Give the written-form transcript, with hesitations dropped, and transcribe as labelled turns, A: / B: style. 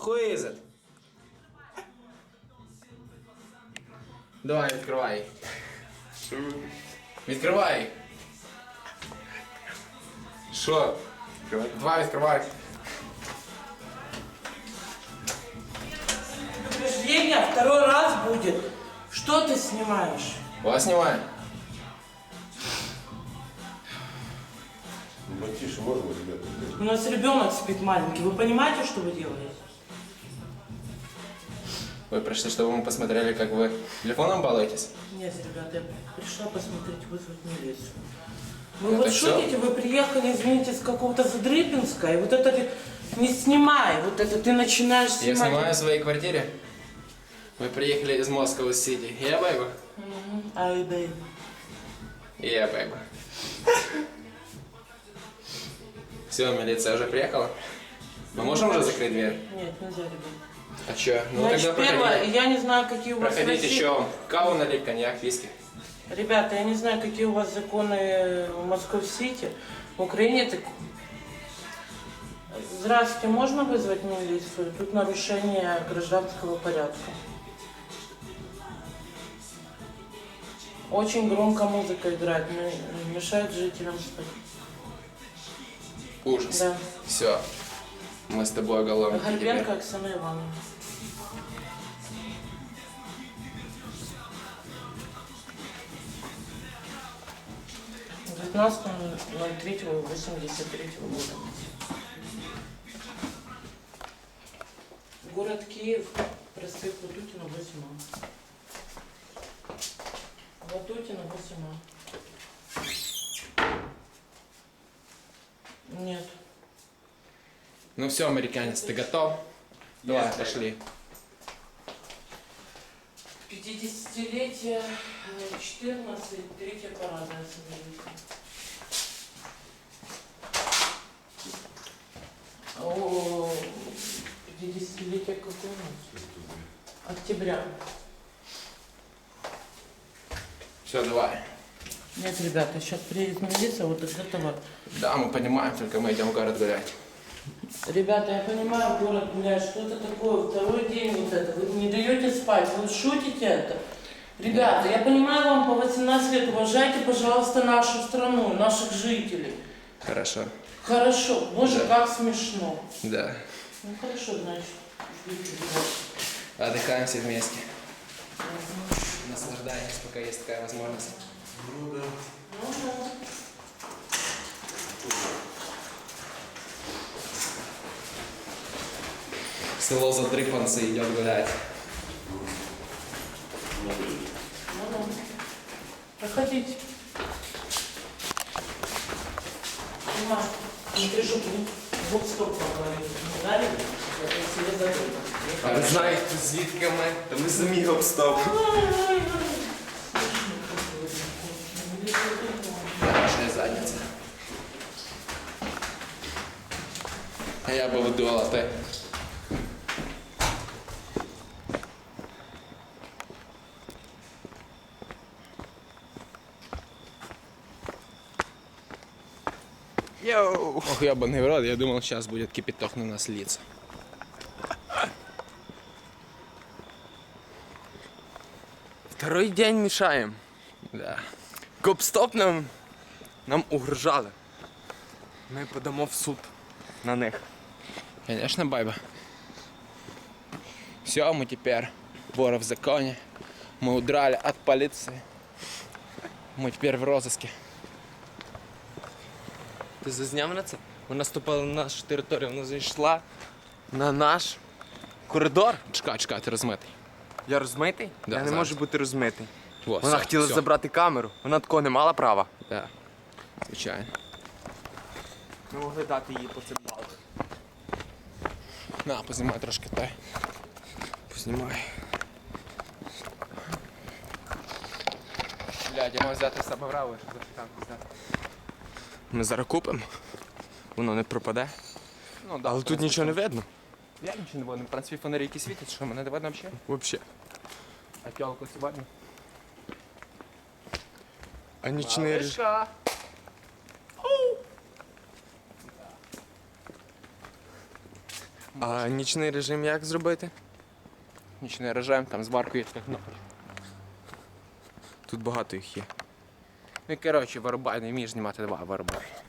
A: Who is it? Давай, відкривай. Відкривай. Що? Давай, відкривай.
B: Предупреждение второй раз будет. Что ты снимаешь?
A: Вас знімає.
C: Потише можно, ребята?
B: У нас ребенок спит маленький. Вы понимаете, что вы делаете?
A: Вы пришли, чтобы мы посмотрели, как вы телефоном балуетесь?
B: Нет, ребята, я пришла посмотреть, вызвать милицию. Вы
A: Это
B: вот
A: всё?
B: шутите, вы приехали, извините, с какого-то Задрыпинска, и вот это не снимай, вот это ты начинаешь
A: Я
B: снимать.
A: снимаю в своей квартире. Мы приехали из Москвы-Сити. Я бэйба.
B: Ай, дай.
A: Я бэйба. Все, милиция уже приехала. Мы можем уже закрыть дверь?
B: Нет, нельзя, ребят.
A: А чё? Ну
B: Значит,
A: тогда
B: первое,
A: проходите.
B: я не знаю, какие у вас
A: Проходите,
B: России-
A: еще каву налить, коньяк, виски.
B: Ребята, я не знаю, какие у вас законы в Москве-Сити. В Украине так... Здравствуйте, можно вызвать милицию? Тут нарушение гражданского порядка. Очень громко музыка играет, мешает жителям спать.
A: Ужас.
B: Да.
A: Все. Мы с тобой уголовники
B: Горбенко
A: теперь.
B: Оксана Ивановна. С 19.03.83 года. Город Киев, проспект Ватутина, 8А. Ватутина, 8А. Нет.
A: Ну все, американец, ты готов? Давай, пошли.
B: 50-летие 14, третья парадная соберите. О, 50-летие какое у нас? Октября.
A: Все, давай.
B: Нет, ребята, сейчас приедет милиция, вот от этого.
A: Да, мы понимаем, только мы идем в город гулять.
B: Ребята, я понимаю, город, блядь, что это такое, второй день вот это, вы не даете спать, вы шутите это. Ребята, я понимаю, вам по 18 лет, уважайте, пожалуйста, нашу страну, наших жителей.
A: Хорошо.
B: Хорошо, боже,
A: Да.
B: как смешно.
A: Да.
B: Ну хорошо, значит, ждите,
A: Отдыхаем все вместе. Наслаждаемся, пока есть такая возможность.
C: Ну да.
A: Село Задрыпанцы идет гулять.
B: Ну, проходите. Дима, не держу, вот стоп поговорили. Не дали? Я себе забыл.
D: А ви знаєте, звідки ми? Та ми самі обстав.
A: Хорошая задница. А я бы выдувал, а ты?
D: Йоу!
A: Ох, ебаный в рот, я думал, сейчас будет кипяток на нас литься.
D: Второй день мішаємо.
A: Да.
D: Гоп-стоп нам угрожали. Ми подамо в суд на них.
A: Конечно, байба. Все, мы теперь воры в законе. Мы удрали от полиции. Мы теперь в розыске.
D: Ти зазняв на це? Вона ступила на нашу територію, вона зайшла на наш коридор.
A: Чекай, чекай, ти розмитий.
D: Я розмитий?
A: Да,
D: Я не
A: зараз.
D: можу бути розмитий.
A: Во,
D: Вона
A: все,
D: хотіла
A: все.
D: забрати камеру, вона такого не мала права.
A: Да, звичайно.
D: Ми могли дати їй по цим балах.
A: На, познімай трошки той.
D: Познімай.
A: Блядь, я мав взяти з себе браво, щоб запитанку зняти.
D: Ми зараз купимо. Воно не пропаде.
A: Ну, да,
D: Але тут нічого не видно.
A: Я нічого не видно. В принципі, фонарі які світять, що мене не видно взагалі.
D: Взагалі.
A: А п'ялку сьогодні?
D: А нічний режим.
A: Малышка.
D: А нічний режим як зробити?
A: Нічний режим, там з баркою така кнопка.
D: Тут багато їх є.
A: Ну і коротше, вирубай, не вмієш знімати, два вирубай.